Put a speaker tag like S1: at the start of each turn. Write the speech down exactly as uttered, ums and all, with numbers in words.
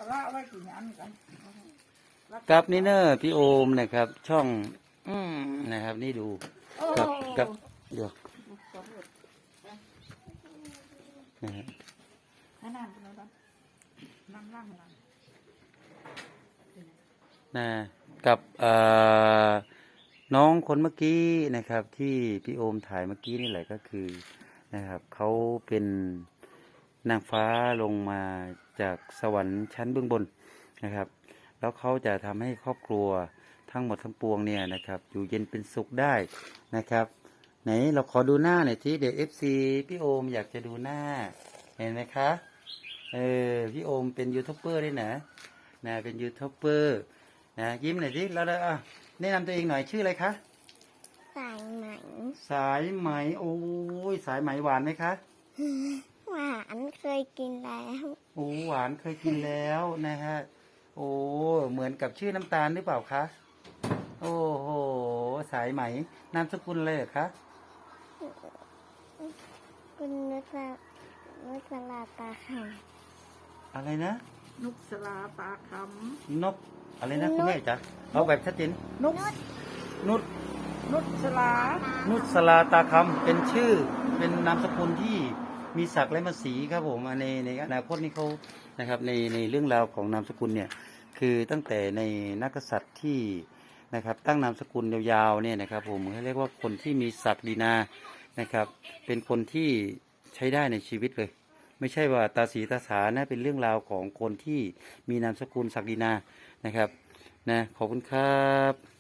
S1: ละไว้กี่อันกัน
S2: กับนี่เนอร์พี่โอมนะครับ ช่องอืมนะครับ นี่ดูกับกับเดี๋ยวนะฮะ
S1: นั่งๆแล้วนั่งนั่งนั่ง
S2: นะกับเอ่อน้องคนเมื่อกี้นะครับ ที่พี่โอมถ่ายเมื่อกี้นี่แหละก็คือนะครับเขาเป็นนางฟ้าลงมาจากสวรรค์ชั้นเบื้องบนนะครับ แล้วเขาจะทำให้ครอบครัวทั้งหมดทั้งปวงเนี่ยนะครับ อยู่เย็นเป็นสุขได้นะครับ ไหนเราขอดูหน้าหน่อยที่เดี๋ยวเอฟซีพี่โอมอยากจะดูหน้าเห็นไหมคะเออพี่โอมเป็นยูทูบเบอร์ด้วยนะนะเป็นยูทูบเบอร์นะยิ้มหน่อยสิแล้วอ่ะแนะนำตัวเองหน่อยชื่ออะไรคะ
S3: สายไหม
S2: สายไหมโอ้ยสายไหมหวานไหมคะ
S3: หวานเคยกินแล้ว
S2: โอ้หวานเคยกินแล้วนะฮะโอ้เหมือนกับชื่อน้ำตาลหรือเปล่าคะโอ้โหสายไหมนามสกุลอะไรเหรอคะ
S3: คุณนุสลานุสลาตาค่ะ
S2: อะไรนะ
S1: นุกสลาตาค
S2: นกอะไรนะคุณแม่จ๊ะเอาแบบชัดเจน
S1: ำนุก
S2: นุช
S1: นุกสลา
S2: นุชสลาตาคำเป็นชื่อเป็นนามสกุลที่มีศักดิ์และมาสีครับผมในในอนาคตนี้เขานะครับในในเรื่องราวของนามสกุลเนี่ยคือตั้งแต่ในนักกษัตริย์ที่นะครับตั้งนามสกุลยาวๆเนี่ยนะครับผมเขาเรียกว่าคนที่มีศักดินานะครับเป็นคนที่ใช้ได้ในชีวิตเลยไม่ใช่ว่าตาสีตาสานะเป็นเรื่องราวของคนที่มีนามสกุลศักดินานะครับนะขอบคุณครับ